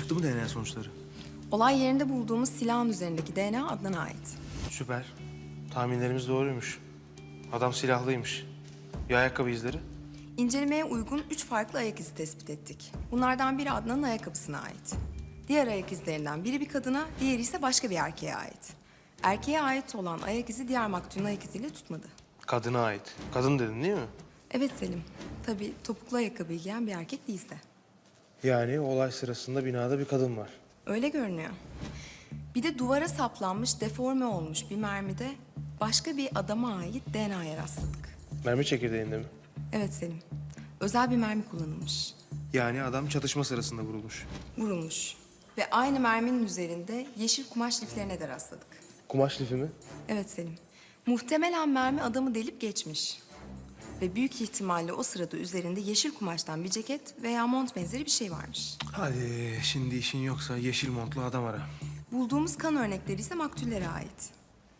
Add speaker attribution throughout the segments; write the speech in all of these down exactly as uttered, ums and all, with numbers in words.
Speaker 1: Çıktı mı D N A sonuçları?
Speaker 2: Olay yerinde bulduğumuz silahın üzerindeki D N A Adnan'a ait.
Speaker 1: Süper. Tahminlerimiz doğruymuş. Adam silahlıymış. Ya ayakkabı izleri?
Speaker 2: İncelemeye uygun üç farklı ayak izi tespit ettik. Bunlardan biri Adnan'ın ayakkabısına ait. Diğer ayak izlerinden biri bir kadına, diğeri ise başka bir erkeğe ait. Erkeğe ait olan ayak izi diğer maktulün ayak iziyle tutmadı.
Speaker 1: Kadına ait. Kadın dedin değil mi?
Speaker 2: Evet Selim, tabii topuklu ayakkabı giyen bir erkek değilse.
Speaker 1: Yani olay sırasında binada bir kadın var.
Speaker 2: Öyle görünüyor. Bir de duvara saplanmış, deforme olmuş bir mermide başka bir adama ait D N A'ya rastladık.
Speaker 1: Mermi çekirdeğinde mi?
Speaker 2: Evet Selim, özel bir mermi kullanılmış.
Speaker 1: Yani adam çatışma sırasında vurulmuş.
Speaker 2: Vurulmuş. Ve aynı merminin üzerinde yeşil kumaş liflerine de rastladık.
Speaker 1: Kumaş lifi mi?
Speaker 2: Evet Selim. Muhtemelen mermi adamı delip geçmiş. Ve büyük ihtimalle o sırada üzerinde yeşil kumaştan bir ceket veya mont benzeri bir şey varmış.
Speaker 1: Hadi şimdi işin yoksa yeşil montlu adam ara.
Speaker 2: Bulduğumuz kan örnekleri ise maktullere ait.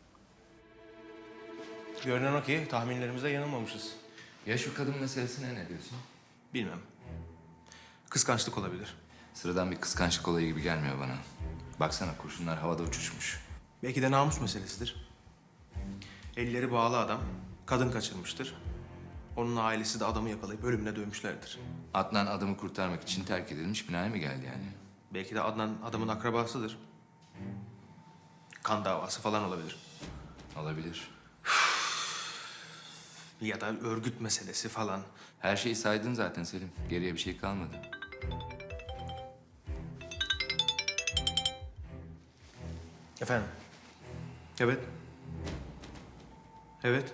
Speaker 1: Görünen o ki tahminlerimizde yanılmamışız.
Speaker 3: Ya şu kadın meselesine ne diyorsun?
Speaker 1: Bilmem. Kıskançlık olabilir.
Speaker 3: Sıradan bir kıskançlık olayı gibi gelmiyor bana. Baksana kurşunlar havada uçuşmuş.
Speaker 1: Belki de namus meselesidir. Elleri bağlı adam, kadın kaçırmıştır. Onun ailesi de adamı yakalayıp ölümüne dövmüşlerdir.
Speaker 3: Adnan adamı kurtarmak için terk edilmiş binaya mı geldi yani?
Speaker 1: Belki de Adnan adamın akrabasıdır. Kan davası falan olabilir.
Speaker 3: Olabilir.
Speaker 1: Ya da örgüt meselesi falan.
Speaker 3: Her şeyi saydın zaten Selim. Geriye bir şey kalmadı.
Speaker 1: Efendim? Evet. Evet.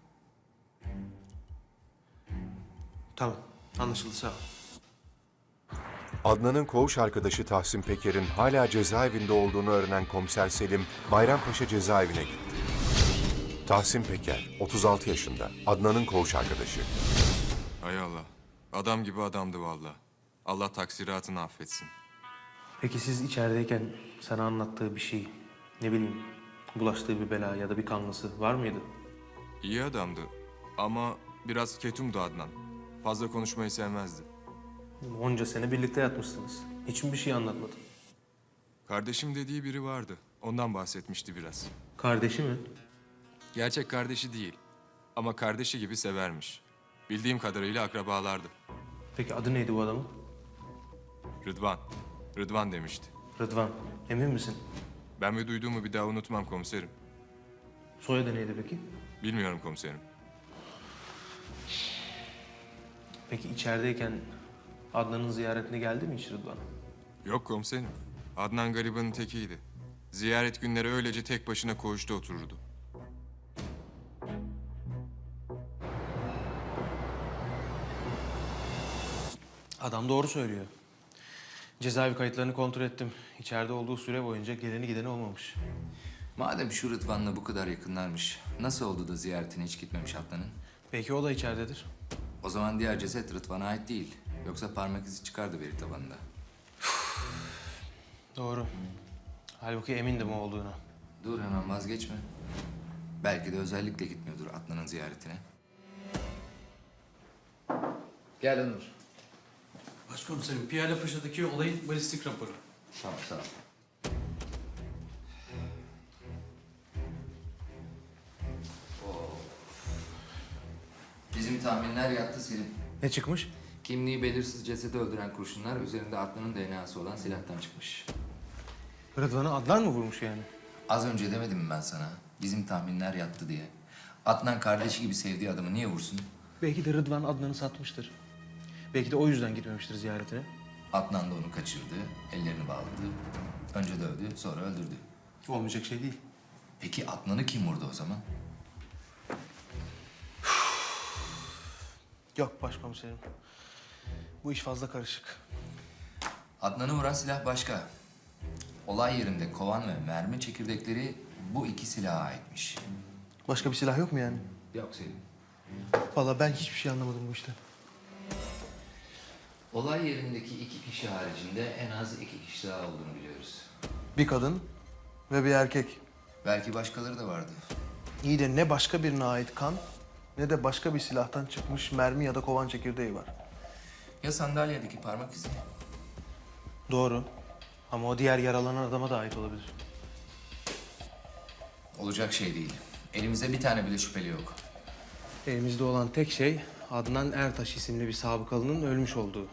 Speaker 1: Tamam, anlaşıldı, sağ ol.
Speaker 4: Adnan'ın koğuş arkadaşı Tahsin Peker'in hala cezaevinde olduğunu öğrenen komiser Selim, Bayrampaşa cezaevine gitti. Tahsin Peker, otuz altı yaşında, Adnan'ın koğuş arkadaşı.
Speaker 5: Hay Allah. Adam gibi adamdı vallahi. Allah taksiratını affetsin.
Speaker 1: Peki siz içerideyken sana anlattığı bir şey, ne bileyim, bulaştığı bir bela ya da bir kanlısı var mıydı?
Speaker 5: İyi adamdı ama biraz ketumdu Adnan. Fazla konuşmayı sevmezdi.
Speaker 1: Onca sene birlikte yatmışsınız. Hiç mi bir şey anlatmadı?
Speaker 5: Kardeşim dediği biri vardı. Ondan bahsetmişti biraz.
Speaker 1: Kardeşi mi?
Speaker 5: Gerçek kardeşi değil ama kardeşi gibi severmiş. Bildiğim kadarıyla akrabalardı.
Speaker 1: Peki adı neydi bu adamın?
Speaker 5: Rıdvan. Rıdvan demişti.
Speaker 1: Rıdvan. Emin misin?
Speaker 5: Ben ve duyduğumu bir daha unutmam komiserim.
Speaker 1: Soyadı neydi peki?
Speaker 5: Bilmiyorum komiserim.
Speaker 1: Peki içerideyken Adnan'ın ziyaretine geldi mi hiç Rıdvan?
Speaker 5: Yok komiserim. Adnan garibanın tekiydi. Ziyaret günleri öylece tek başına koğuşta otururdu.
Speaker 1: Adam doğru söylüyor. Cezaevi kayıtlarını kontrol ettim. İçeride olduğu süre boyunca geleni gideni olmamış.
Speaker 3: Madem şu Rıdvan'la bu kadar yakınlarmış, nasıl oldu da ziyaretine hiç gitmemiş Adnan'ın?
Speaker 1: Belki o da içeridedir.
Speaker 3: O zaman diğer ceset Rıdvan'a ait değil. Yoksa parmak izi çıkardı veri tabanında.
Speaker 1: Doğru. Halbuki emindim o olduğuna.
Speaker 3: Dur hemen vazgeçme. Belki de özellikle gitmiyordur Adnan'ın ziyaretine. Gel Onur.
Speaker 6: Başkomiserim, Piyale Paşa'daki olayın balistik raporu.
Speaker 3: Tamam, sağ ol. Bizim tahminler yattı Selim.
Speaker 1: Ne çıkmış?
Speaker 3: Kimliği belirsiz cesedi öldüren kurşunlar üzerinde Adnan'ın D N A'sı olan silahtan çıkmış.
Speaker 1: Rıdvan'ı Adnan mı vurmuş yani?
Speaker 3: Az önce demedim mi ben sana? Bizim tahminler yattı diye. Adnan kardeşi gibi sevdiği adamı niye vursun?
Speaker 1: Belki de Rıdvan Adnan'ı satmıştır. Belki de o yüzden gitmemiştir ziyaretine.
Speaker 3: Adnan da onu kaçırdı, ellerini bağladı. Önce dövdü, sonra öldürdü.
Speaker 1: Olmayacak şey değil.
Speaker 3: Peki Adnan'ı kim vurdu o zaman?
Speaker 1: Yok başkomiserim. Bu iş fazla karışık.
Speaker 3: Adnan'ı vuran silah başka. Olay yerinde kovan ve mermi çekirdekleri bu iki silaha aitmiş.
Speaker 1: Başka bir silah yok mu yani?
Speaker 3: Yok Selim.
Speaker 1: Vallahi ben hiçbir şey anlamadım bu işten.
Speaker 3: Olay yerindeki iki kişi haricinde en az iki kişi daha olduğunu biliyoruz.
Speaker 1: Bir kadın ve bir erkek.
Speaker 3: Belki başkaları da vardı.
Speaker 1: İyi de ne başka birine ait kan ne de başka bir silahtan çıkmış mermi ya da kovan çekirdeği var.
Speaker 3: Ya sandalyedeki parmak izi?
Speaker 1: Doğru. Ama o diğer yaralanan adama da ait olabilir.
Speaker 3: Olacak şey değil. Elimizde bir tane bile şüpheli yok.
Speaker 1: Elimizde olan tek şey Adnan Ertaş isimli bir sabıkalının ölmüş olduğu.